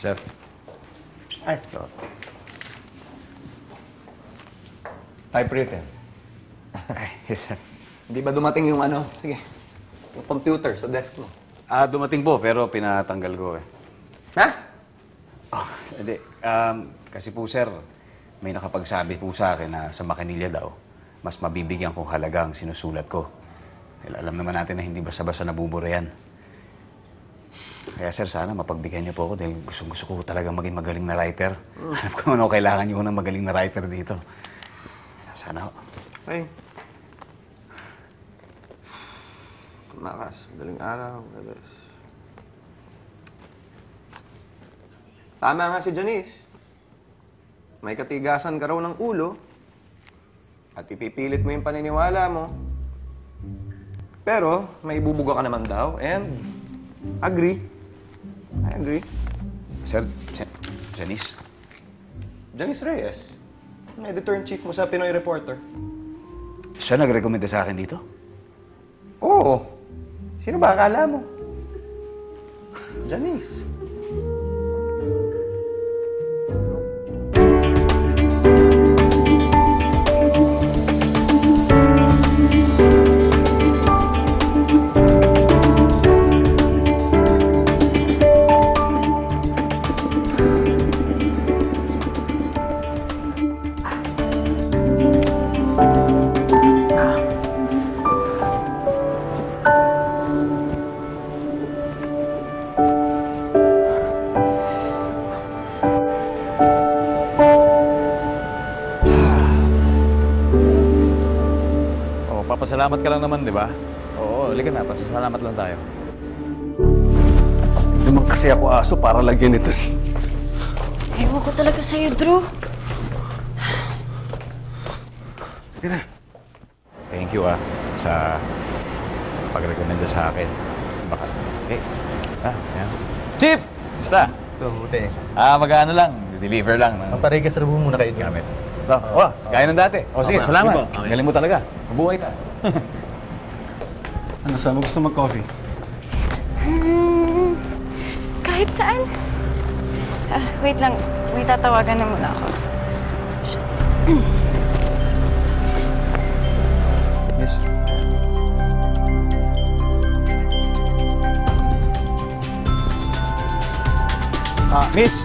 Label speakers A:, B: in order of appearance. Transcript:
A: sir.
B: Ay, ito. Typewritten.
A: Ay, yes, sir.
B: Hindi ba dumating yung ano? Sige. Yung computer sa desk mo.
A: Dumating po, pero pinatanggal ko eh.
B: Ha?
A: Oh, hindi. Kasi po, sir, may nakapagsabi po sa akin na sa makinilya daw, mas mabibigyan kong halaga ang sinusulat ko. Dahil alam naman natin na hindi basta-basta nabubura yan. Kaya, sir, sana mapagbigyan niyo po ako dahil gusto ko talagang maging magaling na writer. Alam ko ano kailangan niyo ng magaling na writer dito. Sana ho.
B: Ay. Tumakas. Madaling araw. Galas. Tama nga si Janice. May katigasan ka raw ng ulo at ipipilit mo yung paniniwala mo. Pero may ibubuga ka naman daw and agree. I agree.
A: Sir, Janice?
B: Janice Reyes, ang editor-in-chief mo sa Pinoy Reporter.
A: Siya nag-recommenda sa akin dito?
B: Oo. Sino ba akala mo? Janice.
C: Papasalamat ka lang naman, di ba? Oo, halika na. Pasasalamat lang tayo.
A: Hindi naman kasi ako aso para lagyan ito eh.
D: Ewan ko talaga sa'yo, Drew.
A: Sige na.
C: Thank you, sa pag-recommenda sa akin. Baka, okay. Yan. Chip! Basta?
E: Ito, buti.
C: Mag-ano lang. Deliver lang.
E: Pamparegas na muna kayo.
C: Gamit. Gaya ng dati. O sige,
E: Okay.
C: salamat.
E: Sige po, okay.
C: Galing mo talaga. Mabuhay ka.
F: Ano, saan mo gusto mag-coffee?
D: Kahit saan. Wait lang. May tatawagan na muna ako.
C: Yes. Miss,